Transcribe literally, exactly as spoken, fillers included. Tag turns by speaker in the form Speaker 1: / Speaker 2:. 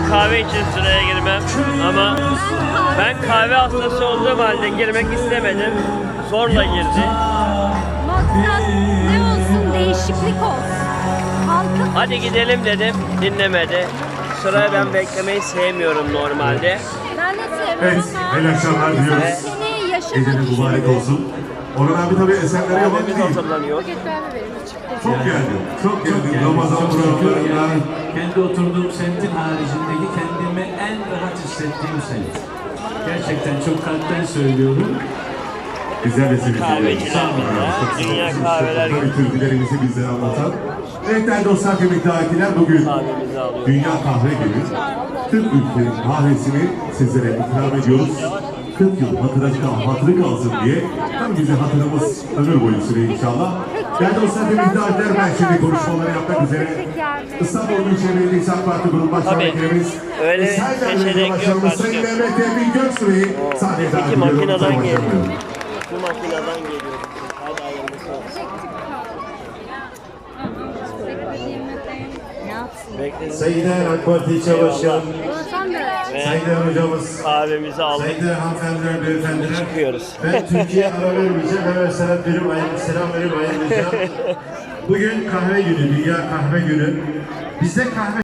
Speaker 1: kahve için sıraya girmem ama ben kahve hastası olduğum halde girmek istemedim. Zorla girdi.
Speaker 2: Maksat ne olsun, değişiklik olsun. Halkın
Speaker 1: Hadi gidelim dedim, dinlemedi. Sıraya ben beklemeyi sevmiyorum normalde.
Speaker 2: ben de
Speaker 3: Evet,
Speaker 2: seviyorum ama
Speaker 3: hayırlı akşamlar diliyoruz.
Speaker 2: seni yaşamak
Speaker 3: Gecenin mübarek olsun. Orhan abi tabii eserlere yabancı
Speaker 1: Kahvemiz
Speaker 3: değil.
Speaker 1: hazırlanıyor.
Speaker 3: Çok geldi, çok geldi. Ramazan
Speaker 4: Çok şükür
Speaker 3: programlarından.
Speaker 4: yani kendi oturduğum semtin haricindeki kendimi en rahat hissettiğim semt. Gerçekten çok kalpten söylüyorum.
Speaker 3: Güzel de seni
Speaker 1: Kahveciler burada. Dünya kahveler
Speaker 3: Tabii türkülerimizi bizlere anlatan. Evet değerli dostlar, kıymetli davetliler, bugün
Speaker 1: Kahvemizi alıyoruz.
Speaker 3: Dünya Kahve Günü. Tüm ülkenin kahvesini sizlere ikram ediyoruz. kırk yıl hatıra kal, hatırı kalsın diye. Tabii bize hatırımız ömür boyu sürüyor inşallah. Değerli dostlar, kıymetli davetliler, ben şimdi konuşmaları yapmak üzere İstanbul Büyükşehir Belediyesi AK Parti Grup Başkan
Speaker 1: Tabii,
Speaker 3: Vekilimiz
Speaker 1: öyle
Speaker 3: Eserler
Speaker 1: seçenek
Speaker 3: Belediye
Speaker 1: yok
Speaker 3: Başkanımız
Speaker 1: başka.
Speaker 3: Sayın Mehmet Emin Göksu'yu sahneye davet
Speaker 1: İki
Speaker 3: ediyorum.
Speaker 1: makineden
Speaker 3: Sayın
Speaker 1: geliyor.
Speaker 3: Başkanım.
Speaker 1: Bu makineden geliyor. Hadi hayırlısı olsun.
Speaker 2: ne yapsın?
Speaker 1: Bekleyin.
Speaker 5: Sayın AK Parti Çavuşlarım,
Speaker 1: Ve
Speaker 5: Sayın Hocamız,
Speaker 1: kahvemizi aldık.
Speaker 5: Sayın hanımefendiler, beyefendiler.
Speaker 1: Çıkıyoruz.
Speaker 5: Ben Türkiye'ye ara vermeyeceğim, hemen selam verip ayrı, selam verip ayrılacağım. Bugün kahve günü, Dünya Kahve Günü. Bizde kahve